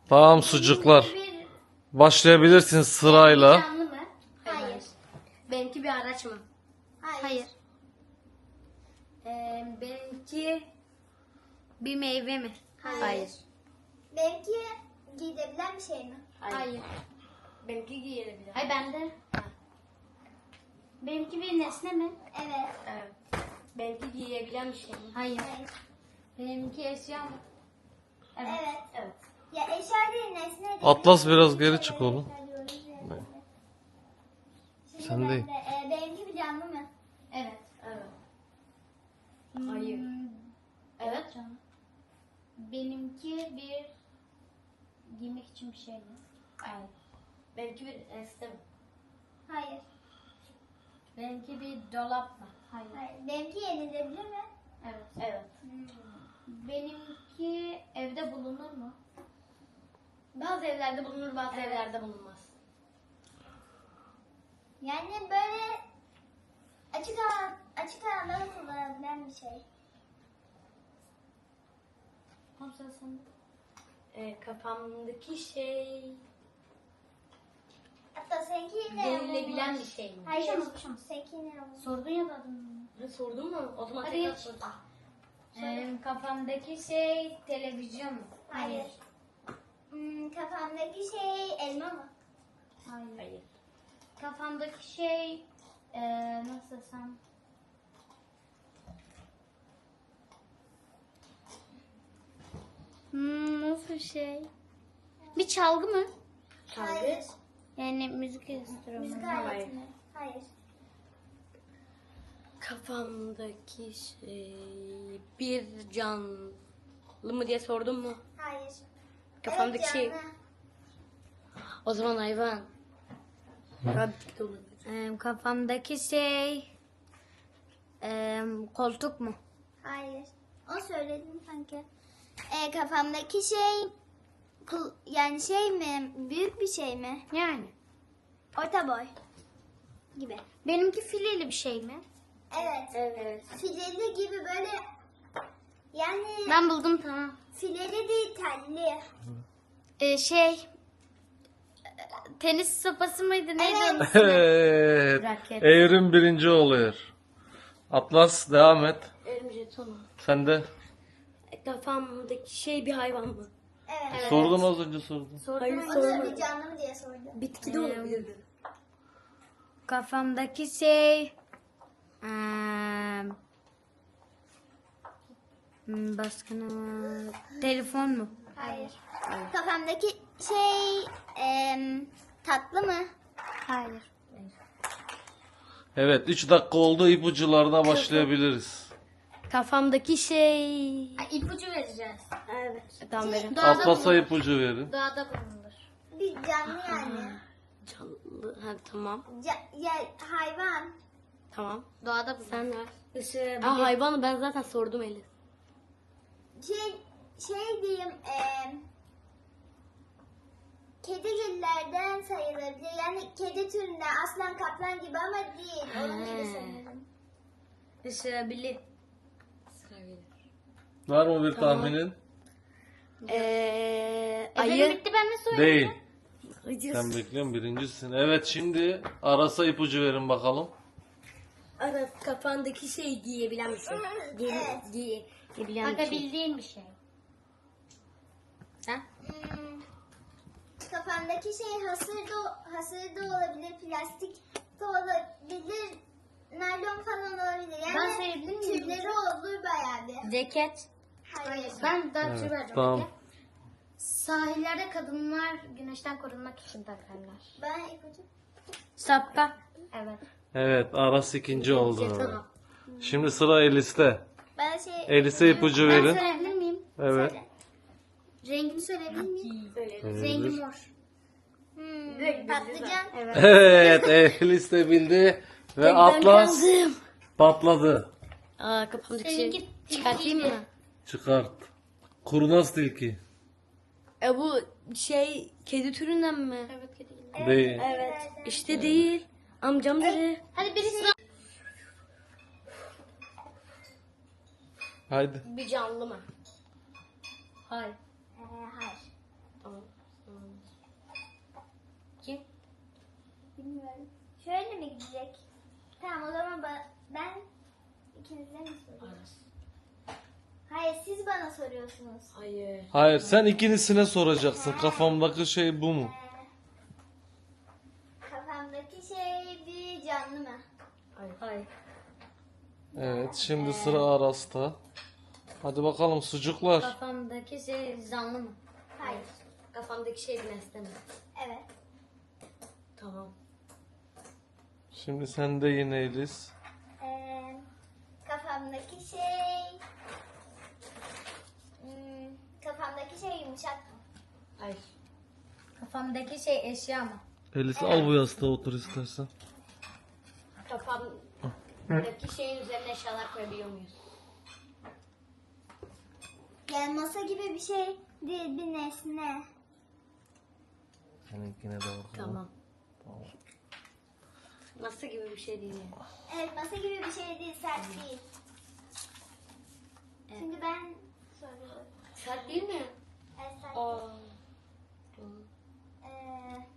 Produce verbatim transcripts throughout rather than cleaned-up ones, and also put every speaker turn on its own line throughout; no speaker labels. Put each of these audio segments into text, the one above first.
Tamam sucuklar.
Bir
Başlayabilirsiniz sırayla.
canlı mı? Hayır.
Benimki bir araç mı?
Hayır.
Hayır. Ee, benimki bir meyve mi?
Hayır. Benimki giyilebilen bir şey mi?
Hayır.
Benimki giyilebilir.
Hayır bende. Benimki bir nesne mi?
Evet.
Evet. Benimki giyebilen bir şey mi?
Hayır.
Hayır.
Benimki eşya mı?
Evet.
Evet.
Ya eşya değil, nesne değil.
Atlas biraz geri çık oğlum.
Eşya diyoruz ya. Şimdi
Sen
ben
değil.
de, e, benimki bir canlı mı?
Evet.
Evet. Hayır. Evet.
Canım. Benimki bir giymek için bir şey mi?
Hayır. Benimki bir nesne mi?
Hayır.
Benimki bir dolap mı? Hayır.
Hayır. Benimki yenilebilir mi?
Evet.
Evet.
Benimki evde bulunur mu?
Bazı evlerde bulunur, bazı evlerde bulunmaz.
Yani böyle açık alan, açık alanda kullanılabilen bir şey.
Tamam sen sen.
Ee, kafamdaki şey
Hatta seninki yine
giyilebilen
olmuş.
bir şey mi?
Hayır.
Konuşamaz, konuşamaz.
Seninki yine olmuş.
Sordun ya da adını.
Ha, sordun mu? O zaman
Hadi
tekrar
geç.
sordum.
Ee, kafamdaki şey televizyon mu?
Hayır. Hmm, kafamdaki şey elma mı?
Hayır.
Hayır.
Kafamdaki şey ee, nasıl desem? Hmm, nasıl bir şey? Bir çalgı mı?
Hayır.
Yani müzik enstrümanı.
Müzik
Hayır.
aleti mi? Hayır.
Kafamdaki şey bir canlı mı diye sordun mu?
Hayır.
Kafamdaki
Evet,
şey.
canlı.
O zaman hayvan. Ya bitki de olabilir.
Ee, kafamdaki şey ee, koltuk mu?
Hayır. O söyledim sanki. Ee, kafamdaki şey kul- yani şey mi? Büyük bir şey mi?
Yani.
Orta boy gibi.
Benimki fileli bir şey mi?
Evet.
Evet.
Fileli gibi böyle yani
Ben buldum tamam.
fileli değil, telli.
Ee, şey tenis sopası mıydı neydi
Evet.
onun ismi?
Evet.
Raket.
Evrim birinci oluyor. Atlas devam et.
Elim jetonu.
Sen de.
Kafamdaki şey bir hayvan mı?
Evet.
Sordum az önce sordum.
Hayır
O da
sormadım.
bir canlı mı diye sordu.
Bitki de olabilirdi.
Kafamdaki şey eee, hmm, başka ne var? Telefon mu?
Hayır. Kafamdaki şey em, tatlı mı?
Hayır.
Evet üç dakika oldu, ipucularına başlayabiliriz.
Kafamdaki şey...
Ay, ipucu vereceğiz.
Evet. Tamam verin.
Doğada
Atlas'a
bulunur.
ipucu verin.
Doğada bulunur.
Bir canlı yani.
Canlı. Ha, tamam.
Ca- ya, hayvan.
Tamam.
Doğada bulunur.
Sen ver.
Işığı
Aa, hayvanı ben zaten sordum Elif.
Şey şey diyeyim em, kedigillerden sayılabilir. Yani kedi türünden, aslan kaplan gibi ama değil. Onun gibi sanırım.
Işığı bili.
Var mı bir tahminin?
Eee...
Efendim
Ayı.
bitti ben ne söyleyeyim?
Değil.
Ayı.
Sen bekliyorsun birincisin. Evet şimdi Aras'a ipucu verin bakalım.
Ara kafandaki şey giyebilen bir şey. Giye,
Evet.
giye, giyebilen bir şey.
Bakabildiğin bir şey. Sen?
Hmm, kafandaki şey hasır da, hasır da olabilir, plastik de olabilir, naylon falan olabilir. Yani
Ben sayabilir miyim?
türleri olur bayağı bir.
Ceket.
Hayır.
Ben daha bir şey
Evet,
vereceğim.
tamam.
Bekle. Sahillerde kadınlar güneşten korunmak için takarlar.
Ben ipucu.
Şapka. Evet.
Evet Aras ikinci oldu.
Tamam.
Şimdi sıra Elis'te.
Ben şey...
Elis'e ipucu
Ben
verin.
söyleyebilir miyim?
Evet.
Rengini söyleyebilir miyim?
Söyledim.
Rengi mor.
Hmm, patlıcan.
Evet.
Evet Elis de bildi ve Atlas
kaldım.
patladı.
Aa kafamdaki şey.
Seninki
Çıkartayım mı?
Çıkart. Kurnaz tilki.
E bu şey kedi türünden mi?
Evet kedi gibi.
Değil.
Evet. İşte değil. Amcam dedi.
Hadi birisi
Haydi.
Bir canlı mı? Hayır.
Ee, hayır.
Tamam. Kim?
Bilmiyorum. Şöyle mi gidecek? Tamam o zaman ba- ben ikinize mi soruyorum?
Aras.
Hayır siz bana soruyorsunuz.
Hayır.
Hayır, sen ikincisine soracaksın. Kafamdaki şey bu mu?
Ee, kafamdaki şey bir canlı mı?
Hayır. Hayır.
Evet, şimdi sıra Aras'ta. Hadi bakalım sucuklar.
Kafamdaki şey canlı mı?
Hayır.
Kafamdaki şey bir nesne mi?
Evet.
Tamam.
Şimdi sen de yine Elis.
Ee, kafamdaki şey... Hmm, kafamdaki şey yumuşak mı?
Hayır. Kafamdaki şey eşya mı?
Elis al bu yastığa otur istersen.
Kafamdaki şeyin üzerine eşyalar koyabiliyor muyuz?
Yani masa gibi bir şey değil, bir nesne.
Seninkine de bakalım.
Tamam. Nasıl gibi bir şey değil yani.
Evet, masa gibi bir şey değil, sert değil. Şimdi ben soruyorum.
Sert değil mi?
Evet, sert.
Aa.
Ee,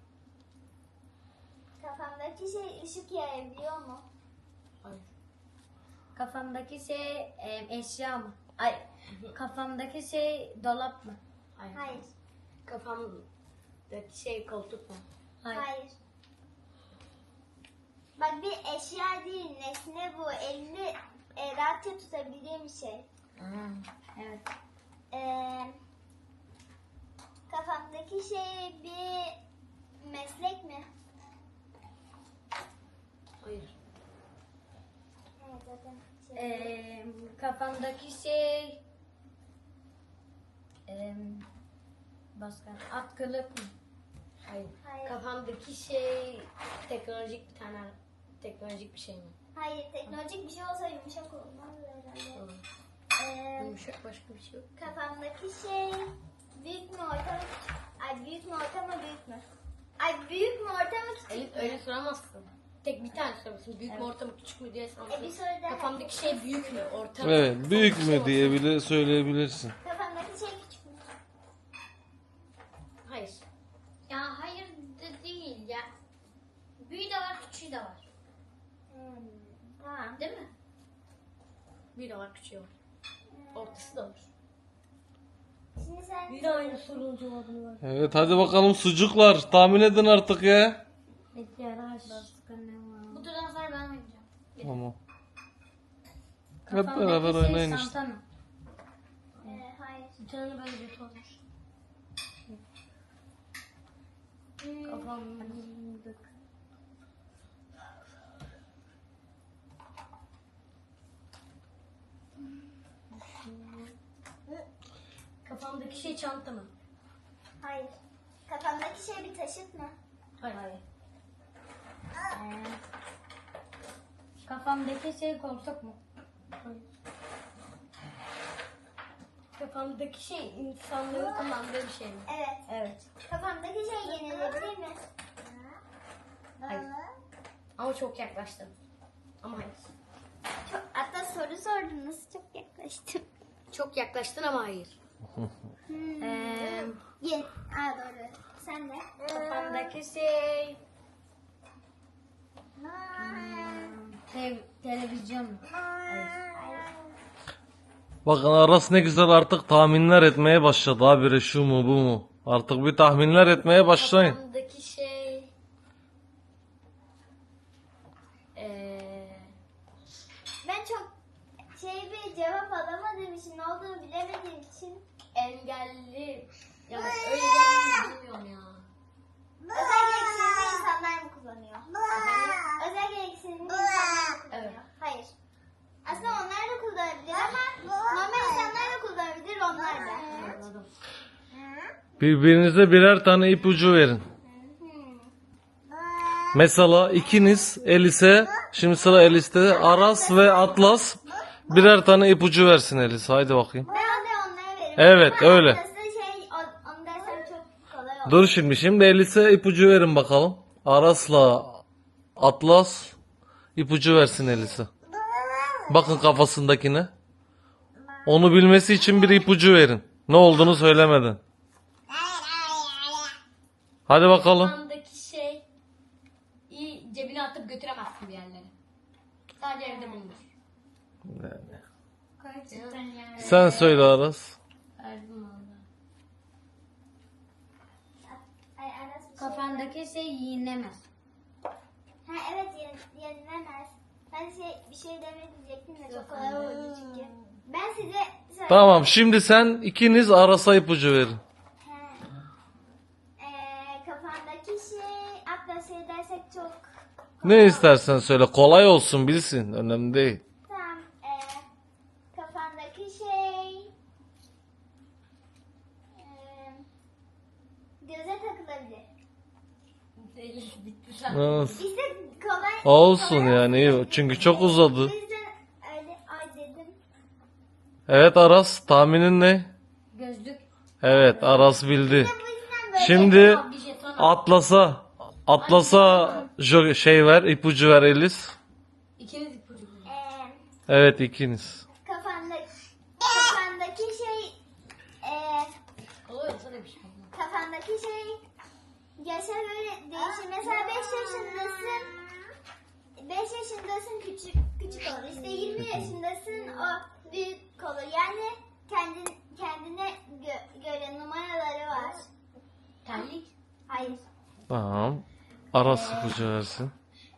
kafamdaki şey ışık yayabiliyor mu?
Hayır. Kafamdaki şey e, eşya mı? Ay. Kafamdaki şey dolap mı? Hayır.
Hayır.
Kafamdaki şey koltuk mu?
Hayır. Bak bir eşya değil, nesne bu. Elini e, rahatça tutabildiğim bir şey.
Evet.
Ee, kafamdaki şey bir meslek mi?
Hayır.
Evet, zaten şey.
Ee, kafamdaki şey ee, başka at kılık mı? Hayır.
Hayır.
Kafamdaki şey teknolojik bir tane teknolojik bir şey mi?
Hayır, teknolojik bir şey olsa yumuşak olmaz herhalde.
Tamam.
Ee,
Yumuşak başka bir şey yok.
kafamdaki şey büyük mü, orta mı? Ay büyük mü, orta mı, büyük mü? Ay büyük mü, orta mı, küçük
Elif
mü?
öyle soramazsın. Tek bir tane soramazsın. Büyük mü orta mı küçük mü diye
E, bir
soramazsın.
soru daha.
Kafamdaki şey büyük mü orta mı?
Evet, büyük
Kafamdaki şey
mü diye
orta mı?
bile söyleyebilirsin.
Kafamdaki şey küçük mü?
Hayır.
Ya hayır de değil ya. Büyüğü de var, küçüğü de var.
Hmm, tamam.
Değil mi?
Bir de var küçüğü var. Ortası da var.
Şimdi sen
Bir de aynı sorunun cevabını var.
Evet, hadi bakalım sucuklar. Tahmin edin artık ya.
Peki yaraş. Başka ne var?
Bu turdan sonra ben oynayacağım.
Tamam. Hep beraber
şey
oynayın işte.
çanta mı?
e, hayır.
Bir tane böyle bir olmuş. Kafamda. Kafamdaki şey çanta mı?
Hayır. Kafamdaki şey bir taşıt mı?
Hayır. Hayır. Ee, kafamdaki şey koltuk mu? Hayır. Kafamdaki şey insanlığın kullandığı bir şey mi?
Evet.
Evet.
Kafamdaki şey yenilebilir mi?
Hayır. Ama çok yaklaştım. Ama hayır.
Çok, hatta soru sordunuz. Çok yaklaştım.
Çok yaklaştın ama hayır.
Hmm.
Ee,
Ye. Aa doğru. Sen de.
kafamdaki şey Te- televizyon mu? Hayır.
Bakın Aras ne güzel artık tahminler etmeye başladı. Habire şu mu bu mu? Artık bir tahminler etmeye başlayın.
Kafamdaki şey ee,
Ben çok şey bir cevap alamadığım için, ne olduğunu bilemediğim için
engelli ya öyle bir bilmiyorum ya.
özel gereksinimli insanlar mı kullanıyor? Özel gereksinimli insanlar mı kullanıyor?
Evet.
Hayır. Aslında onlar da kullanabilir ama normal insanlar da kullanabilir, onlar da.
Anladım.
Birbirinize birer tane ipucu verin. Mesela ikiniz Elis'e, şimdi sıra Elis'te, Aras ve Atlas birer tane ipucu versin Elis. Haydi bakayım.
Ben de onlara veririm.
Evet,
Ama
öyle.
aslında şey, o- onu dersem çok kolay olur.
Dur şimdi, şimdi Elis'e ipucu verin bakalım. Aras'la Atlas ipucu versin Elis'e. Bakın kafasındakine. Onu bilmesi için bir ipucu verin. Ne olduğunu söylemeden. Hadi bakalım.
Kafandaki şey iyi cebine atıp götüremezsin bir yerlere. Sadece evde bulunur.
Gerçekten yani.
Sen söyle Aras.
Verdim valla.
Ay, Aras bir şey-
Kafandaki şey yiyinemez.
Ha evet yen- yenilemez. Ben şey, bir şey demek diyecektim de çok kolay oldu çünkü. Ben size söyleyeyim.
Tamam, şimdi sen ikiniz Aras'a ipucu verin.
He. Ee, kafandaki şey atla şey dersek çok
Ne istersen söyle. Kolay olsun, bilsin. Önemli değil.
tamam. Ee, kafandaki şey ee, göze takılabilir.
Bitti sen.
Nasıl?
İşte kolay.
Olsun
kolay
yani, iyi. Çünkü çok uzadı.
O yüzden öyle ay dedim.
Evet Aras, tahminin ne?
Gözlük.
Evet, Aras bildi.
Bu yüzden böyle.
Şimdi
Bir jeton al.
Atlas'a Atlas'a jo- şey ver, ipucu ver Elis.
İkiniz ipucu bulun.
Ee,
Evet, ikiniz.
kafandaki kafandaki şey ee,
Kolay olsa da bir şey olmaz.
kafandaki şey yaşa göre değişir. Mesela beş yaşındasın. beş yaşındasın küçük küçük olur. İşte yirmi yaşındasın o büyük olur. Yani kendin kendine gö- göre numaraları var.
Terlik.
Hayır.
Tamam. Aras ipucu versin.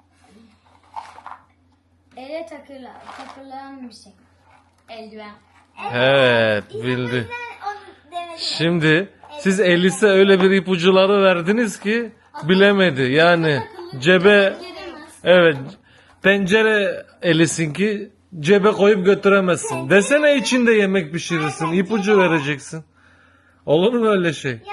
Ele takılan, takılan bir şey. Eldiven.
Evet,
İşte bu
bildi.
yüzden onu demedim.
Şimdi siz Elis'e öyle bir ipucuları verdiniz ki bilemedi. Yani cebe,
Giremez.
evet, tencere Elis'inki, cebe koyup götüremezsin. Desene içinde yemek pişirirsin. İpucu vereceksin. Olur mu öyle şey?
Ya